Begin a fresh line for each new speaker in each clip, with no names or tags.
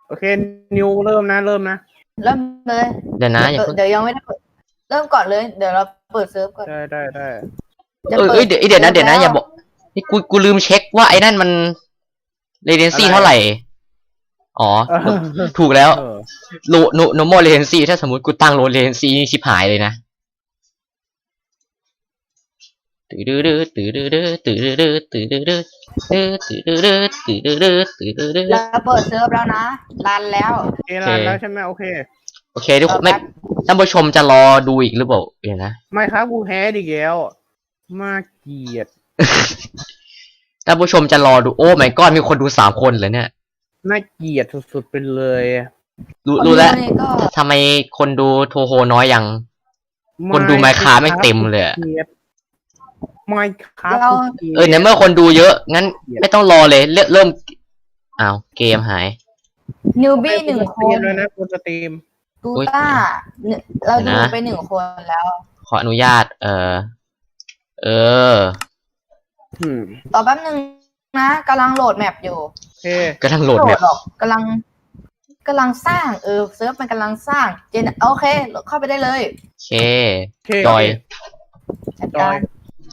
โอเคนิวเริ่มนะ
เริ่มเลย
เดี๋ยวนะอย่าเพิ่ง
เดี๋ยวยังไม่ได้เปิดเริ่มก่อนเลยเดี๋ยวเราเปิดเซิร์ฟก่อน
ได้
จะ
เดี๋ยวนะอย่าบอกนี่กูลืมเช็คว่าไอ้นั่นมันเรเดนซี่เท่าไหร่อ๋อถูกแล้วโนโมเรเดนซี่ถ้าสมมติกูตั้งโลเรเดนซี่นี่ชิบหายเลยนะ
เราเปิดเซิร์ฟแล้วนะรันแล้ว
โอเคแล้วใช่ไหมโอเค
โอเคทุกคนไม่ท่านผู้ชมจะรอดูอีกหรือเปล่าเดี๋ยวนะ
ไม่ครับกูแพ้ดิแก้วมาเกลียด
ท่านผู้ชมจะรอดูโอ้ my god มีคนดู3 คนเลยเนี่ย
น่าเกลียดสุดๆไปเลย
รู้แล้ว
นี่ก็
ทำไมคนดูโทโฮน้อยยังคนดูไมค์คาไม่เต็มเลย
ไมค์คา
ในเมื่อคนดูเยอะงั้นไม่ต้องรอเลยเริ่มอ้าวเกมหาย
นิวบี้1 คน
เลยนะกูสตรีม
ตูต้าเราดูไป1 คนแล้ว
ขออนุญาต
ต่อแป๊บนึงนะกำลังโหลดแมปอยู่
โอเค
กำลังโหลดแบบ
หรอกกำลังสร้างเซิร์ฟมันกำลังสร้างโอเคเข้าไปได้เลย
โอเคจอย
จัดการ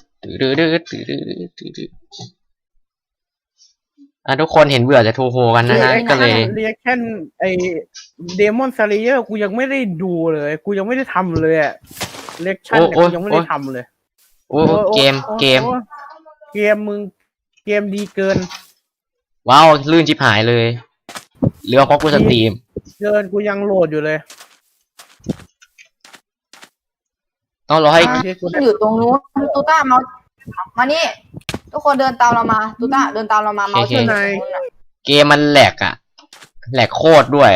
ทุกคนเห็นเบื่อจะโทโฮกันนะฮะก็เลย
เรียกแค่ไอเดมอนซาริเออร์กูยังไม่ได้ดูเลยกูยังไม่ได้ทำเลยอะเรียกชั่นเนี่ยกูยังไม่ได้ทำเลย
โอ้เกม
เกมมึงเกมดีเกิน
ว้าวลื่นชิบหายเลยหรือว่าเพราะกูสตรีม
เกินกูยังโหลดอยู่เลย
ต้องรอให้
อยู่ตรงนู้นตูต้ามานี่ทุกคนเดินตามเรามาตูต้าเดินตามเรามาเมาส์ที่ไหน
เกมมันแหลกอะแหลกโคตรด้วย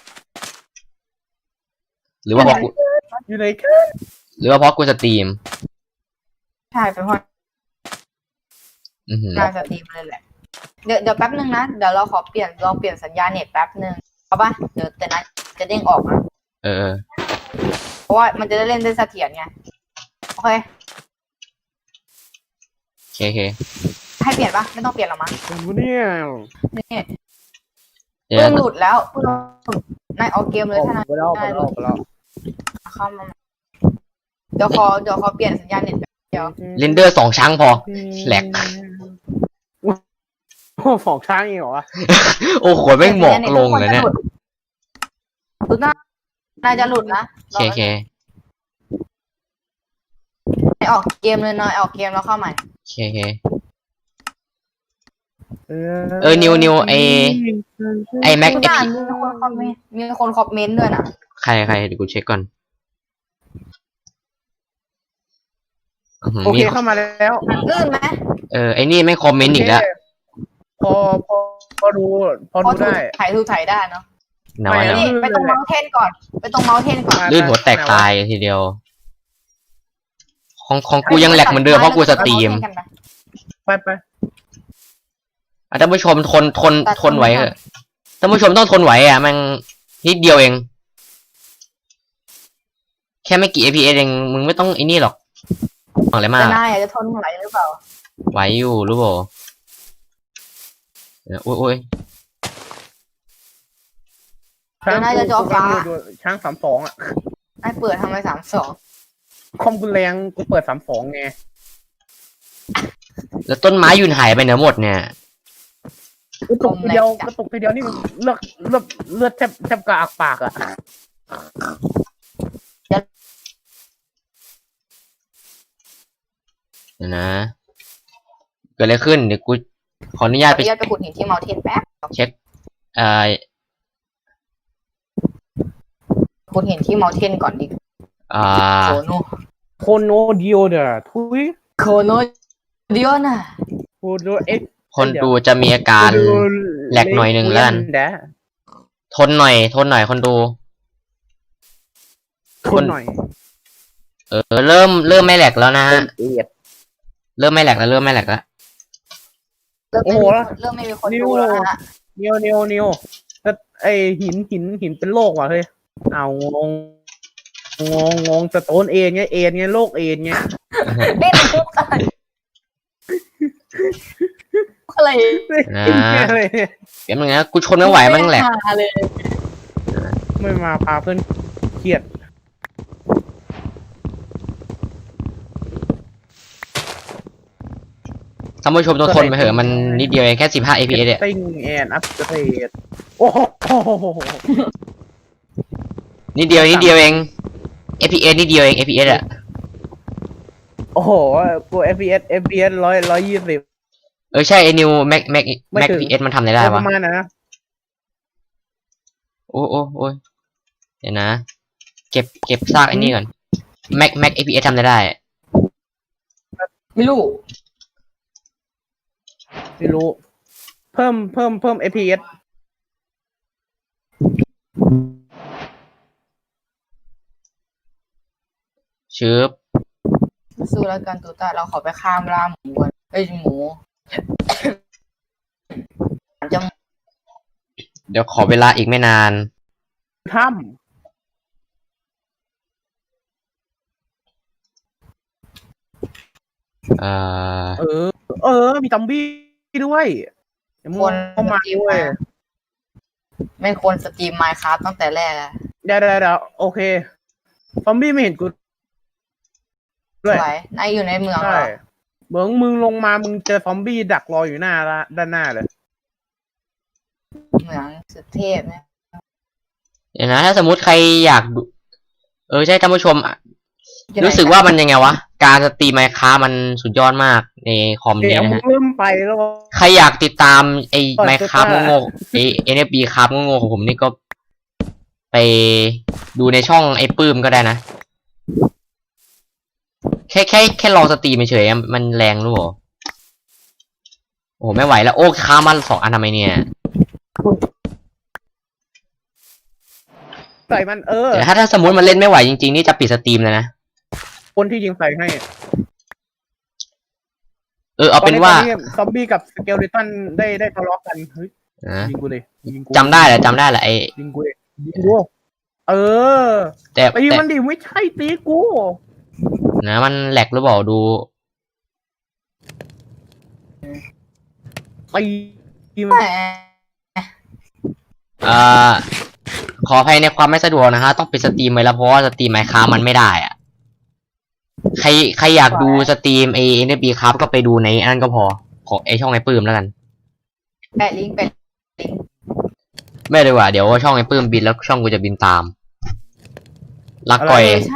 หรือว่าเพราะกู
อยู่ไหนกัน
หรือว่าเพราะกูสตรีม
ใช่เป็นเพราะการสตรีมเลยแหละเดี๋ยวแป๊บนึงนะเดี๋ยวเราขอลองเปลี่ยนสัญญาณเน็ตแป๊บนึงเอาป่ะเดี๋ยวแต่นั้นจะเด้งออกนะเพราะว่ามันจะได้เล่นได้เสถียรไงโอเคให้เปลี่ยนปะไม่ต้องเปลี่ยนหรอมั้ง
เนี่ย
นี่เพิ่งหลุดแล้วเพิ่งนายออกเกมเลยท่าน
ไปแล้ว
เข้ามาเดี๋ยวขอเปลี่ยนสัญญาณเน็ตเดี๋ยว
เรนเดอร์2 ครั้งพอแหลก
โอ้ฝอกช้างอีกเหรอวะ
โอ้โหไม่หมอกลงเลยเนี่ย
ตุนายจะหลุดนะ
โอเค
ออกเกมเลยนายออกเกมแล้วเข้าใหม่
โอเคนิวไอแม็ก
มีคนคอมเมนต์ด้วยนะ
ใครเดี๋ยวกูเช็คก่อน
โอเคเข้ามาแล้ว
ลื่นไหม
ไอนี่ไม่คอมเมนต์อีกแล้ว
พอดูได้
ถ่ายได้เนาะ
นะวะ
นี่ไปตรงเมาส์เทนก่อน
ลื่นหัวแตกตายทีเดียวของกูยังแหลกเหมือนเดิมเพราะกูสตรีม
ไป
ท่านผู้ชมทนไหวเหรอท่านผู้ชมต้องทนไหวมันนิดเดียวเองแค่ไม่กี่ APS เองมึงไม่ต้องไอ้นี่หรอกอะไรมาก
นายจะทนไหวหรือเปล่า
ไหวอยู่รู้เปล่าโอ้ย
ช้าง32อ่ะ
นายเปิดทำไม32
คอมกูแรงกูเปิด32ไง
แล้วต้นไม้ยืนหายไปไหนหมดเนี่ย
กระตุกทีเดียวนี่เลือดแทบกระอักปากอ่ะ
เดี๋ยวนะเกิดอะไรขึ้นเดี๋ยวกูขออนุญาตไป
ขุดหินที่เมาเทนแป๊บ
เช็ค
ขุดหินที่เมาเทนก่อนดิ
โคโนเดียวเด้อทุย
โคโนเดียวน่ะ
โคโน
คนดูจะมีอาการแหลกหน่อยหนึ่งแล้วกันทนหน่อยคนดู
ทนหน่อย
เริ่มไม่แหลกแล้วนะเริ่มไม่แหลกแล้ว
เริ่มไม่มีคนดูแล้วนะ
นิวไอหินเป็นโรคว่ะเฮ้ยเอางงสโตนเไงโรคเไง
เล่นปุ๊บอะไรอะไร
นะ
อะไรเนี่ย
เดี๋ยวมึงนะกูชนไม่ไหวมันแหลก
ไม่หาเลย
ไม่มาพาเพื่อนเครียด
ท่านผู้ชมต้องทนไปเถอะมันนิดเดียวเองแค่15 fps เนี่ย
ติ้งแอนอัพเกรดโอ้โห
นิดเดียวเอง fps นิดเดียวเอง fps อะ
โอ้โหกู FPS 120
ใช่ไอ้นิวแม็ก
ไม่ถึง
fps มันทำอะไรได้
ป
วะ
ระมาณนะ
โอ้เดี๋ยวนะ เก็บซากไอ้นี่ก่อนแม็ก fps ทำอะไรได้
ไม่รู้
ไม่รู้ เพิ่ม FPS
ชืบ
สู้แล้วกันตูต้าเราขอไปข้ามล่าหมูก่อนเอ้ยหมูจะ
เดี๋ยวขอเวลาอีกไม่นาน
ถ้
เอ่อ
ำมีซอมบี้ด้วยเดี๋ยวมึง
คน
เข้ามา
สตรีม
ด้วย
ไม่ควรสตรีมไมค์ครับตั้งแต่แรกอะ
เดี๋ยวโอเค ซอมบี้ไม่เห็นกู
ส
ด้วย
วยนายอยู่ในเมืองเหร
ใช่
อ
มึงลงมามึงเจอซอมบี้ดักรออยู่ด้านหน้าเลย
เมืองสุดเทพเนี่ย
เดี๋ยวนะถ้าสมมุติใครอยากดูใช่ท่านผู้ชม
อยู่ไหน
รู้สึกว่ามันยังไงวะ การสตรีมไมค์ค้ามันสุดยอดมากในคอมนี้
เดี๋ยว
นะ
มึง
ฮะ
เริ่มไปแล้ว
ใครอยากติดตามไอ้
เปิด
ไมค์ค้า
ตัว
โง่ๆไอ้ NFB ครับโง่ๆของผมนี่ก็ไปดูในช่องไอ้ปื้มก็ได้นะ แค่ลองสตรีมเฉยๆมันแรงรู้เหรอโอ้โหไม่ไหวแล้วโอ้ค้ามัน2 อันทำไมเนี่ย
ใส่มัน
เดี๋ยวถ้าสมมติมันเล่นไม่ไหวจริงๆนี่จะปิดสตรีมเลยนะ
คนที่ยิงใส่ให้
เอาเป็นว่า
ตอซอมบี้กับสเกลเลตันได้ทะเลาะกันเฮ้ย
นะ
ยิงกูเลยยิงกู
จำได้แหละไอ้
ยิงกูเลยยิงกู
แต่
ตีมันดิไม่ใช่ตีกู
นะมันแหลกหรือเปล่าดู
ตีมัน
แหม
ขออภัยในความไม่สะดวกนะฮะต้องปิดสตรีมไปแล้วเพราะว่าสตรีมไมค์ค้ามันไม่ได้อะใครอยากดูสตรีมไอ้ NFB ครับก็ไปดูในอันนั้นก็พอของไอ้ช่องไอ้ปื้มแล้วกัน
แปะลิงก์แปะลิงก์
ไม่เลยว่ะเดี๋ยวช่องไอ้ปื้มบินแล้วช่องกูจะบินตาม รักก่อย
เออใช่